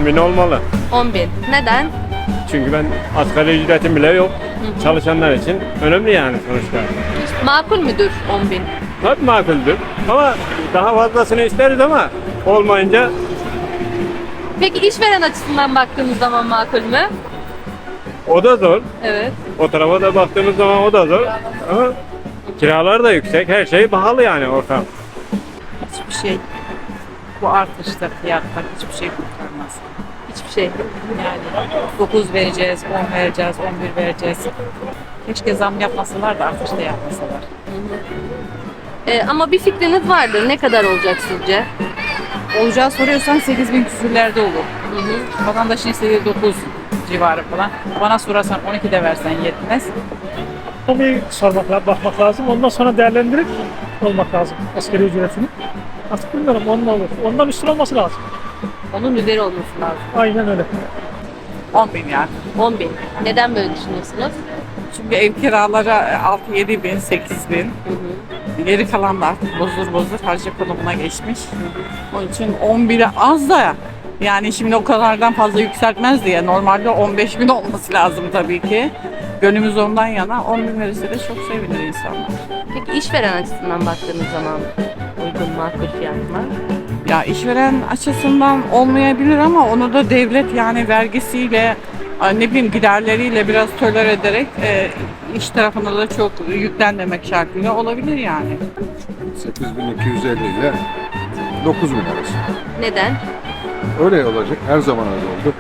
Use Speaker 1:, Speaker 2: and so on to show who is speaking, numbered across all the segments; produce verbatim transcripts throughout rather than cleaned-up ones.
Speaker 1: on bin olmalı.
Speaker 2: on bin. Neden?
Speaker 1: Çünkü ben asgari ücretim bile yok. Çalışanlar için önemli yani sonuçta.
Speaker 2: Makul müdür on bin?
Speaker 1: Tabii makuldür. Ama daha fazlasını isteriz ama olmayınca
Speaker 2: Peki işveren açısından baktığımız zaman makul mü?
Speaker 1: o da zor.
Speaker 2: Evet.
Speaker 1: O tarafa da baktığımız zaman o da zor. Ama kiralar da yüksek. Her şey pahalı yani ortam.
Speaker 3: Hiçbir şey bu artışta fiyatlar hiçbir şey kurtarmaz.
Speaker 2: Hiçbir şey.
Speaker 3: Yani dokuz vereceğiz, on vereceğiz, on bir vereceğiz. Keşke zam yapmasalar da artışta yapmasalar.
Speaker 2: Ee, ama bir fikriniz vardır. Ne kadar olacak sizce?
Speaker 3: Olacağı soruyorsan sekiz bin küsürlerde olur. Vatandaşın istediği dokuz civarı falan. Bana sorarsan on iki de versen yetmez.
Speaker 4: Ekonomiyi sormak lazım, bakmak lazım. Ondan sonra değerlendirip olmak lazım asgari ücretini. Artık bilmiyorum onun olur. Ondan üstün olması lazım.
Speaker 2: Onun üzeri olması lazım.
Speaker 4: Aynen öyle.
Speaker 3: on bin yani.
Speaker 2: on bin. Neden böyle düşünüyorsunuz?
Speaker 3: Çünkü ev kiraları altı yedi bin, sekiz bin. Geri kalan da artık bozdur bozdur harca konumuna geçmiş. Onun için on bire az da yani şimdi o kadardan fazla yükseltmez diye normalde on beş bin olması lazım tabii ki. Gönlümüz ondan yana on bin verirse de çok sevinir insanlar.
Speaker 2: Peki işveren açısından baktığınız zaman uygun makul fiyat mı?
Speaker 3: Ya işveren açısından olmayabilir ama onu da devlet yani vergisiyle ne bileyim giderleriyle biraz tolere ederek e, iş tarafına da çok yüklenmemek şartıyla olabilir yani.
Speaker 5: sekiz bin iki yüz elli ile dokuz bin arası.
Speaker 2: Neden?
Speaker 5: Öyle olacak. Her zaman öyle oldu.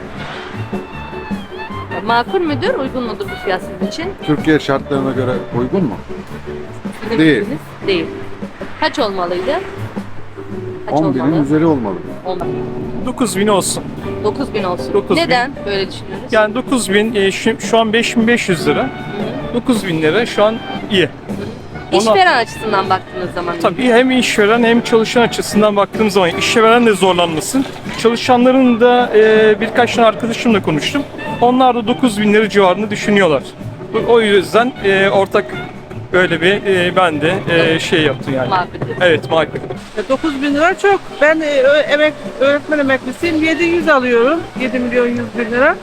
Speaker 2: Makul müdür, uygun mudur bu fiyat sizin için?
Speaker 5: Türkiye şartlarına göre uygun mu?
Speaker 2: Sizin
Speaker 5: Değil.
Speaker 2: fikriniz? Değil. Kaç olmalıydı? Kaç
Speaker 5: on binin üzeri olmalı.
Speaker 2: Olmalı.
Speaker 6: dokuz bin olsun.
Speaker 2: dokuz bin olsun.
Speaker 6: dokuz bin.
Speaker 2: Neden böyle düşünüyoruz?
Speaker 6: Yani dokuz bin e, şu, şu an beş bin beş yüz lira. dokuz bin lira şu an iyi. Ona-
Speaker 2: İşveren açısından baktığınız zaman.
Speaker 6: Tabii hem işveren hem çalışan açısından baktığımız zaman işveren de zorlanmasın. Çalışanların da e, birkaç tane arkadaşımla konuştum. Onlar da dokuz bin lira civarında düşünüyorlar. Bu- O yüzden e, ortak böyle bir e, ben de e, şey yaptım yani.
Speaker 2: Makul.
Speaker 6: Evet makul.
Speaker 7: dokuz bin lira çok. Ben e, ö- emek, öğretmen emeklisiyim. yedi yüz alıyorum. yedi milyon yüz bin lira.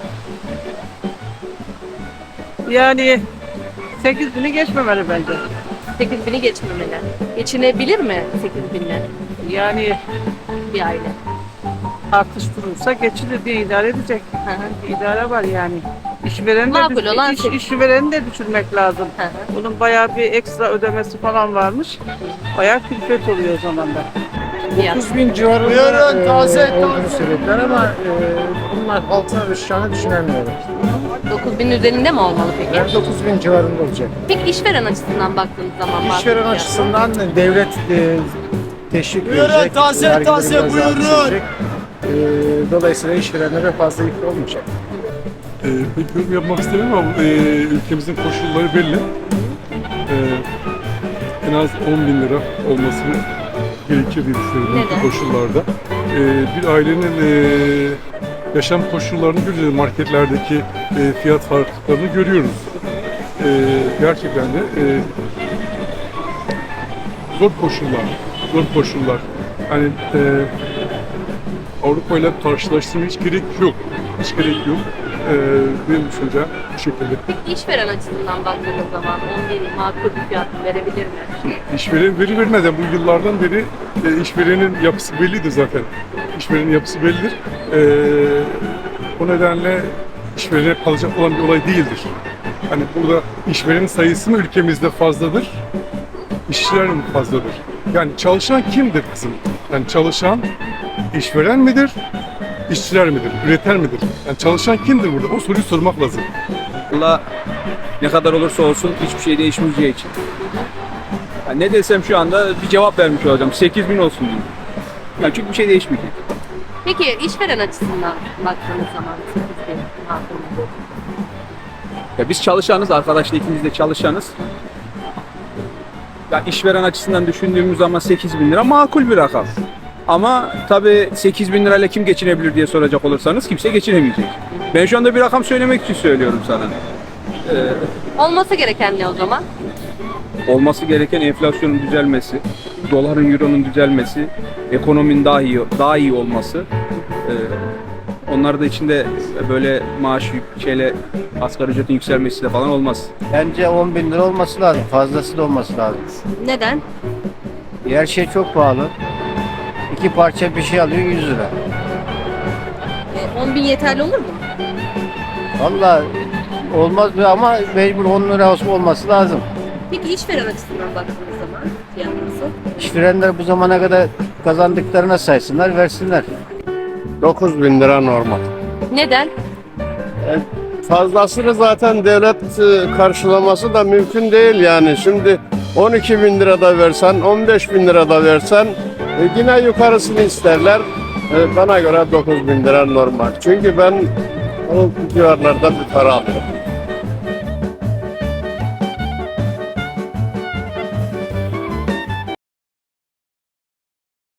Speaker 7: Yani sekiz bini geçmemeli bence.
Speaker 2: sekiz bini geçmemeli. Geçinebilir mi sekiz binle
Speaker 7: Yani
Speaker 2: bir aile?
Speaker 7: artış durursa geçilir diye idare edecek.
Speaker 2: Hı hı.
Speaker 7: Bir idare var yani. İşvereni de,
Speaker 2: Makul
Speaker 7: düş-
Speaker 2: olan
Speaker 7: iş,
Speaker 2: sekiz.
Speaker 7: işvereni de düşürmek lazım.
Speaker 2: Hı hı.
Speaker 7: Bunun bayağı bir ekstra ödemesi falan varmış. Bayağı külfet oluyor o zaman da.
Speaker 2: Fiyat.
Speaker 8: dokuz bin civarında e, olduğunu söylediler ama e, bunlar altına düşeceğini düşünemiyorum.
Speaker 2: dokuz bin üzerinde mi olmalı peki?
Speaker 8: Yani dokuz bin civarında olacak.
Speaker 2: Peki işveren açısından baktığınız zaman makul
Speaker 8: İşveren
Speaker 2: fiyat.
Speaker 8: açısından devlet e, teşvik verecek,
Speaker 9: taze
Speaker 8: vergileri
Speaker 9: taze
Speaker 8: biraz daha
Speaker 9: buyurun.
Speaker 8: düşürecek. E, dolayısıyla işverenlere fazla yük olmayacak.
Speaker 10: Ee, pek yorum yapmak istemiyorum ama e, ülkemizin koşulları belli. Ee, en az on bin lira olması gerekir diye düşünüyorum
Speaker 2: Neden?
Speaker 10: bu koşullarda. Ee, bir ailenin e, yaşam koşullarını görüyoruz, marketlerdeki e, fiyat farklılıklarını görüyoruz. Ee, gerçekten de e, zor koşullar, zor koşullar. Hani e, Avrupa ile karşılaştırmaya hiç gerek yok, hiç gerek yok. Ee, benim düşüncem bu şekilde.
Speaker 2: Peki işveren açısından baktığınız zaman on bin makul bir fiyat verebilir mi?
Speaker 10: İşveren veri vermeden bu yıllardan beri e, işverenin yapısı bellidir zaten. İşverenin yapısı bellidir. Ee, o nedenle işverene kalacak olan bir olay değildir. Hani burada işverenin sayısı mı ülkemizde fazladır, işçiler mi fazladır? Yani çalışan kimdir kızım? Yani çalışan işveren midir, işçiler midir, üreten midir? Yani çalışan kimdir burada? O soruyu sormak lazım.
Speaker 9: Valla ne kadar olursa olsun hiçbir şey değişmeyeceği için. Yani ne desem şu anda bir cevap vermiş olacağım. sekiz bin olsun diyeyim. Yani çünkü bir şey değişmeyecek.
Speaker 2: Peki işveren açısından baktığınız zaman sekiz bin makul mu?
Speaker 9: Ya biz çalışanız, arkadaşla ikimiz de çalışanız. Yani işveren açısından düşündüğümüz zaman sekiz bin lira makul bir rakam. Ama tabii sekiz bin lirayla kim geçinebilir diye soracak olursanız kimse geçinemeyecek. Ben şu anda bir rakam söylemek için söylüyorum sana. Ee,
Speaker 2: Olması gereken ne o zaman?
Speaker 9: olması gereken enflasyonun düzelmesi, doların, euronun düzelmesi, ekonominin daha iyi daha iyi olması. Ee, Onlar da içinde böyle maaş yük- şeyle asgari ücretin yükselmesi de falan olmaz.
Speaker 8: Bence on bin lira olması lazım. Fazlası da olması lazım.
Speaker 2: Neden?
Speaker 8: Her şey çok pahalı. İki parça bir şey alıyor yüz lira.
Speaker 2: E, on bin yeterli olur mu?
Speaker 8: Vallahi olmaz mı ama mecbur on lira olması lazım.
Speaker 2: Peki işveren açısından baktığınız zaman fiyat nasıl?
Speaker 8: İşverenler bu zamana kadar kazandıklarına saysınlar, versinler.
Speaker 11: dokuz bin lira normal.
Speaker 2: Neden?
Speaker 11: Fazlasını zaten devlet e, karşılaması da mümkün değil yani. Şimdi on iki bin lira da versen, on beş bin lira da versen e, yine yukarısını isterler. E, bana göre dokuz bin lira normal. Çünkü ben o civarlarda bir para alıyorum.